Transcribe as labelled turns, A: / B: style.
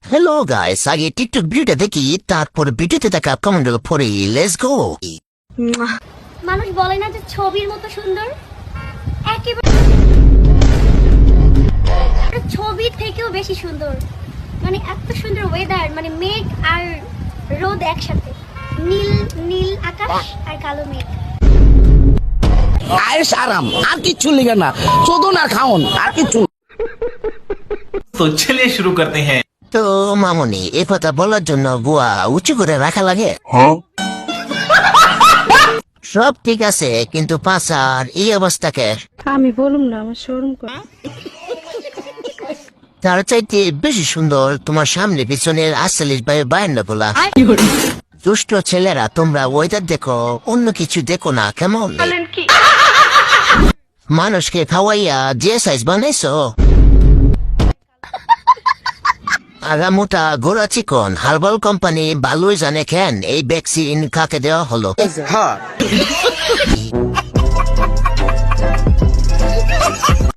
A: Hello guys, আগে TikTok ভিডিওটা দেখি, তারপর ভিডিওতে থাকা কমেন্টগুলো পড়ি। Let's go.
B: মানুষ বলে না যে ছবির মতো সুন্দর, একেবারে ছবির থেকেও বেশি সুন্দর। মানে এত সুন্দর ওয়েদার, মানে মেঘ আর রোদ একসাথে, নীল নীল আকাশ আর কালো মেঘ।
C: আয়েশ আরাম, আর কিচ্ছু লিখে না, চোদন আর খাওন, আর কিচ্ছু।
D: तो चलिए शुरू करते हैं।
A: তো মামনি, এ কথা বলার জন্য বুয়া উঁচু করে রাখা লাগে? সব ঠিক আছে, কিন্তু পাঁচার এই অবস্থাকে
E: আমি বলুম না, আমার শরম করে।
A: তার চাইতে বেশি সুন্দর তোমার সামনে পিছনের আটচল্লিশ বাই 52 বলা। দুষ্ট ছেলেরা, তোমরা ওয়েদার দেখো, অন্য কিছু দেখো না, কেমন? মানুষকে খাওয়াইয়া যে সাইজ বানাইছো, আগামোটা গোড়া চিকন, হার্বাল কোম্পানি ভালোই জানে কেন এই ভ্যাকসিন কাকে দেওয়া হলো।